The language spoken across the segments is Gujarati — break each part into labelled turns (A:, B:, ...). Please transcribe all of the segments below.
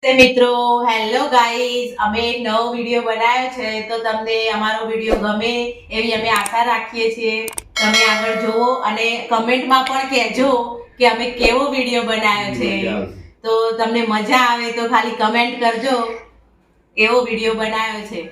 A: મિત્રો હેલો ગાઈઝ, અમે એક નવો વિડિયો બનાવ્યો છે તો તમને અમારો વિડિયો ગમે એવી અમે આશા રાખીએ છીએ. તમે આગળ જુઓ અને કમેન્ટમાં પણ કહેજો કે અમે કેવો વિડિયો બનાવ્યો છે. તો તમને મજા આવે તો ખાલી કમેન્ટ કરજો કેવો વિડિયો બનાવ્યો છે.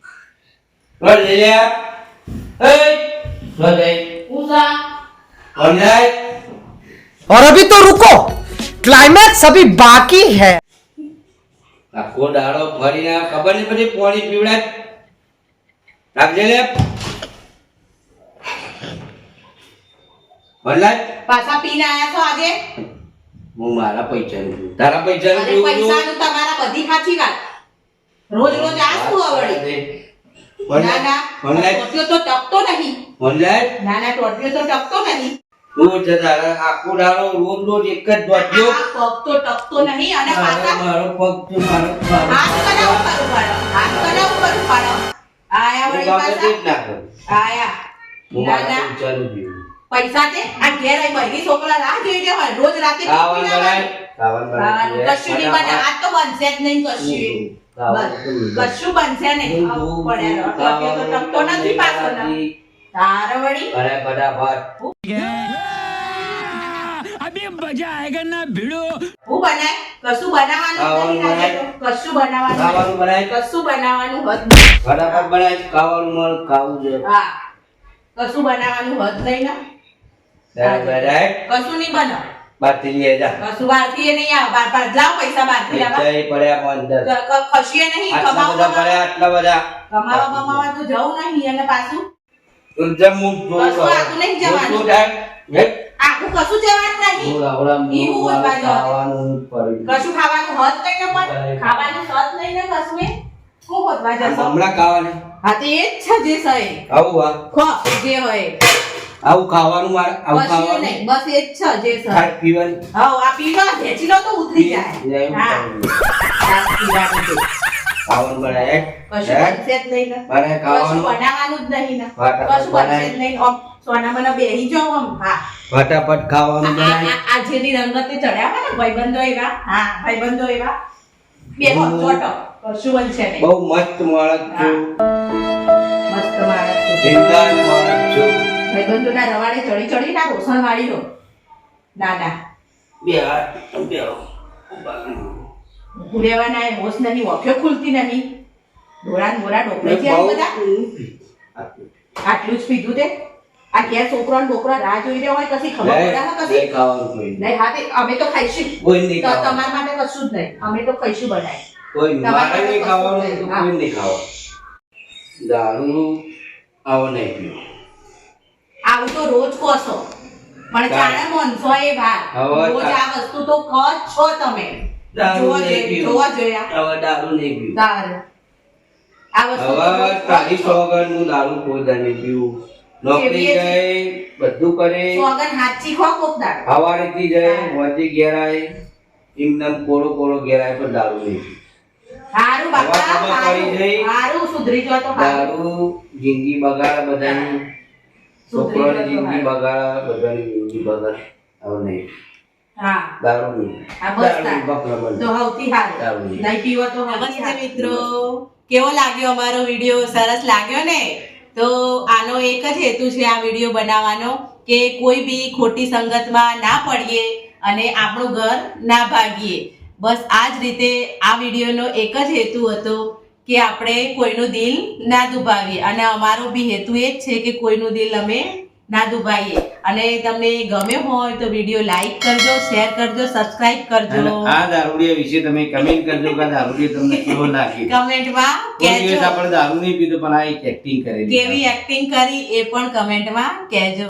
B: और अभी तो रुको, क्लाइमैक्स अभी बाकी है.
C: આખો દાડો ફરીને ખબર નહીં પછી પાણી પીવડાય રાખજે લે ભરલાય
A: પાછા પીને આયા છો આજે.
C: હું મારા પૈસાનું પીવું તારા પૈસાનું
A: અરે
C: પીવું
A: પૈસાનું તમારા બધી સાચી વાત. રોજ રોજ આ શું આવડી? ના ના ટોટિયો તો ટકતો નહીં.
C: ભરલાય
A: ના ના ટોટિયો તો ટકતો નહીં.
C: રોજ તારા આખો દાડો રોજ રોજ એક જ દોડ્યો
A: આ પગ તો ટકતો નહીં અને પાછા
C: મારો પગ તો મારો
A: હાથ કના ઉપર ઉપાડો. હાથ કના ઉપર ઉપાડો. આયા વળી પાછા આયા.
C: હું
A: ના
C: મારા
A: ના
C: પૈસાનું પીવું
A: પૈસા તે આ ઘેર આઈ બધી છોકરા રાહ જોઈ રહ્યા હોય રોજ રાતે
C: ખાવાનું બનાય ખાવાનું
A: કશું નહીં બને. આ તો બનશે જ નહીં કશું. કશું બનશે નહીં. પડ્યા ટોટિયો તો ટકતો નથી પાછો ને તારે વળી
C: અરે ફટાફટ
B: अभी मजा आएगा ना भिड़ो.
A: હું બનાય કશું બનાવવાનું નહીં લાગે તો. કશું બનાવવાનું
C: ખાવાનું બનાય
A: કશું બનાવવાનું હોત
C: ફટાફટ બનાય ખાવાનું મળ ખાવું છે
A: હા કશું બનાવવાનું હોત નહીં ને
C: ડાયરેક્ટ
A: કશું નહીં બનાવ.
C: બાતી લઈ જા
A: કશું બહારથી એ નહીં આવે. બાર લાવ પૈસા બહારથી લાવવા.
C: પૈસા પડ્યા અંદર
A: ખસીએ નહીં.
C: આટલા બધા પડ્યા આટલા બધા
A: કમાવા બમાવા તો જવું નહીં અને પાછું
C: તું જમ હું જોઉં
A: કશું આખું નહીં જવાનું.
C: તું ડાય હે
A: આખું કશું જવાનું નહીં.
C: હું આવડા
A: ઈ હું બોલવા જાઉં.
C: ખાવાનું પડી
A: કશું ખાવાનું હોત નહીં ને પણ ખાવાનું હોત નહીં ને કશું એ શું હોતવા જશો?
C: હમણાં ખાવાનું
A: હા તો એ જ છે જે સહી
C: આવું આ
A: ખો જે હોય
C: આવું ખાવાનું મારે આવું
A: કશું
C: ખાવાનું
A: નહીં બસ એ જ છે જે સહી.
C: ખાટ પીવાનું
A: હા આ પીવા ભેચી લો તો ઉતરી જાય.
C: એવું
A: હા આ પીવાનું છે.
C: ખાવાનું બનાય
A: કશું બનશે જ નહીં ને.
C: મારે
A: કશું
C: ખાવાનું
A: બનાવવાનું જ નહીં ને.
C: ફટાફટ
A: કશું બનશે જ નહીં. આમ સોના મને બેહી જાઓ આમ. હા
C: ફટાફટ ખાવાનું બનાય
A: આ જેની રંગતે ચડ્યા હોય ને ભાઈબંધો એવા. હા ભાઈબંધો એવા બેહો ચોટો કશું બનશે નહીં.
C: બહુ મસ્ત માણસ છું
A: મસ્ત માણસ છે.
C: બિંદાસ માણસ છું
A: ભાઈબંધોના રવાડે ચડી ચડી ના રોષણ વાળી લો. ના ના
C: બે હાથ બે
A: ઉરેવાના એ હોશ નહીં. ઓફ્યો ખુલતી નહીં. ડોળા મોરા ડોકરે છે આ બધા. આટલું જ પીધું તે. આ ઘેર છોકરો ને છોકરા રાહ જોઈ રહ્યા હોય કશી ખબર પડે ને કશી
C: નહીં ખાવાનું કોઈ
A: નહીં. હા તે અમે તો ખાઈશું.
C: કોઈ નહીં
A: તો
C: ખાવાનું
A: તમારા માટે કશું જ નહીં. અમે તો ખાઈશું બનાય.
C: કોઈ નહીં. મારે
A: તમારે
C: નહીં ખાવાનું તો
A: હા.
C: કોઈ નહીં ખાવાનું દારૂ આવો નહીં પીવો
A: આવું તો રોજ કહો છો પણ જાણે મનસો એ વાત.
C: હવે
A: રોજ આ વસ્તુ તો કહો જ છો તમે.
C: દારૂ નહીં પીવો
A: જોવા જોયા
C: હવે દારૂ નહીં પીવું
A: તારે આ વસ્તુ તો
C: હવે
A: રોજ કહો
C: તારી
A: જ છો.
C: સોગંદનું દારૂ કોઈ દા નહીં પીવું નોકરી
A: કેવી
C: જાય બધું કરે
A: સોગન હાચી ખો કોક દાડો.
C: હવારેથી જાય મોજે ઘેર આવે એમને કોળો કોળો ઘેર આવે પણ દારૂ નહીં પીવું
A: હારું બાપા
C: હવા ખબર પડી
A: હારું.
C: જઈ.
A: હારું સુધરી જો તો હારું.
C: દારૂ જિંદગી બગાડે બધાની છોકરાની જિંદગી બગાડે બધાની જિંદગી બગાડે હવે નહીં
A: હા
C: દારૂ નહીં
A: આ બસ
C: દારૂ
A: તાર.
C: બકરા બંધ.
A: તો હવથી હારું.
C: દારૂ નહીં.
A: નહીં પીવો તો નમસ્તે મિત્રો, કેવો લાગ્યો અમારો વિડિયો? સરસ લાગ્યો ને? તો આનો એક જ હેતુ છે આ વિડિયો બનાવવાનો કે કોઈ બી ખોટી સંગતમાં ના પડીએ અને આપણું ઘર ના ભાગીએ. બસ આ જ રીતે આ વિડિયોનો એક જ હેતુ હતો કે આપણે કોઈનું દિલ ના દુભાવીએ અને અમારો બી હેતુ એ જ છે કે કોઈનું દિલ અમે ના દુભાઈએ. અને તમને ગમ્યો હોય તો વિડિયો લાઈક કરજો, શેર કરજો, સબસ્ક્રાઇબ કરજો.
C: અને આ દારૂડિયા વિશે તમે કમેન્ટ કરજો કે આ દારૂડિયો તમને કેવો લાગ્યો.
A: કમેન્ટમાં
C: કોઈ દિવસ
A: કહેજો
C: આપણે દારૂ નહીં પીધો પણ આ એક એક્ટિંગ કરેલી
A: કેવી એક્ટિંગ કરી એ પણ કમેન્ટમાં કહેજો.